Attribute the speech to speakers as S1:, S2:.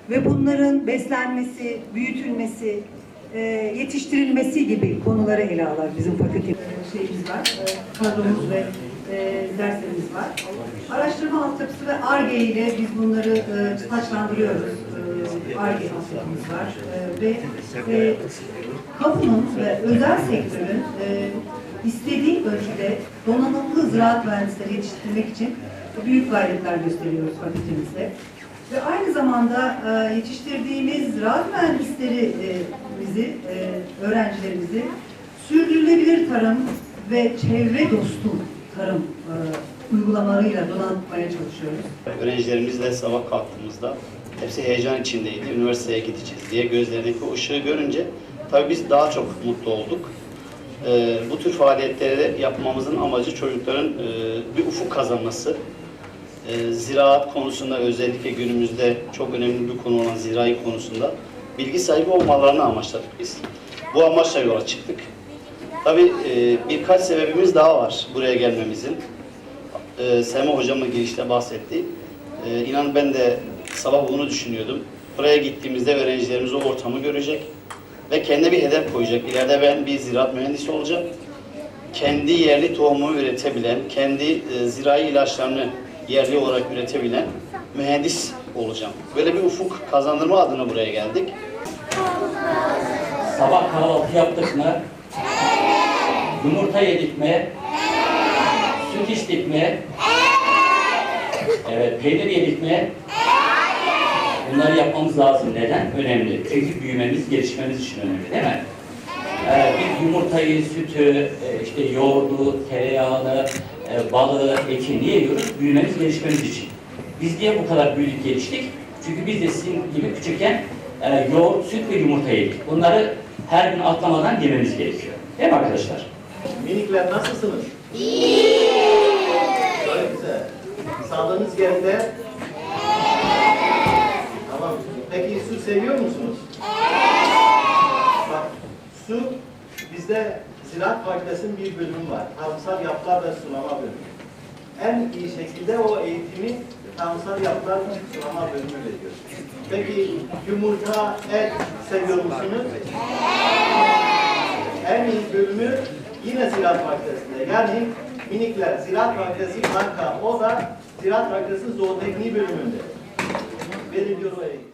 S1: ve bunların beslenmesi, büyütülmesi, yetiştirilmesi gibi konuları ele alır bizim fakülte şeyimiz var, kadromuz ve derslerimiz var. Araştırma altyapısı ve Ar-Ge ile biz bunları taçlandırıyoruz. Ar-Ge altyapımız var ve kamunun ve özel sektörün istediği ölçüde donanımlı ziraat mühendisleri yetiştirmek için büyük gayretler gösteriyoruz fakültemizde. Ve aynı zamanda yetiştirdiğimiz ziraat mühendislerimizi, öğrencilerimizi sürdürülebilir tarım ve çevre dostu tarım uygulamalarıyla donatmaya çalışıyoruz.
S2: Öğrencilerimizle sabah kalktığımızda hepsi heyecan içindeydi. Üniversiteye gideceğiz diye gözlerindeki o ışığı görünce tabii biz daha çok mutlu olduk. Bu tür faaliyetleri yapmamızın amacı çocukların bir ufuk kazanması. Ziraat konusunda özellikle günümüzde çok önemli bir konu olan zirai konusunda bilgi sahibi olmalarını amaçladık biz. Bu amaçla yola çıktık. Tabii birkaç sebebimiz daha var buraya gelmemizin. Sema hocamın girişte bahsetti. İnan ben de sabah bunu düşünüyordum. Buraya gittiğimizde öğrencilerimiz o ortamı görecek ve kendine bir hedef koyacak. İleride ben bir ziraat mühendisi olacağım. Kendi yerli tohumu üretebilen, kendi zirai ilaçlarını yerli olarak üretebilen mühendis olacağım. Böyle bir ufuk kazandırma adına buraya geldik.
S3: Sabah kahvaltı yaptık mı? Yumurta yedik mi? Süt içtik mi? Evet, peynir yedik mi? Bunları yapmamız lazım. Neden? Önemli. Çünkü büyümemiz, gelişmemiz için önemli, değil mi? Biz yumurtayı, sütü, işte yoğurdu, tereyağını, balığı, eti niye yiyoruz? Büyümemiz, gelişmemiz için. Biz niye bu kadar büyüdük, geliştik? Çünkü biz de sizin gibi küçükken yoğurt, süt ve yumurta yedik. Bunları her gün atlamadan yememiz gerekiyor. Değil mi arkadaşlar?
S4: Minikler nasılsınız? İyi. Çok güzel. Sağlığınız yerinde? Tamam. Peki su seviyor musunuz? Bak, su bizde Ziraat Fakültesi'nin bir bölümü var. Tarımsal yapılar ve sulama bölümü. En iyi şekilde o eğitimi tarımsal yapılar ve sulama bölümü veriyor. Peki yumurta, et seviyor musunuz? En iyi bölümü yine Ziraat Fakültesi'nde. Yani minikler, Ziraat Fakültesi kanka, o da Ziraat Fakültesi Zootekniği bölümünde. Veriliyor o eğitim.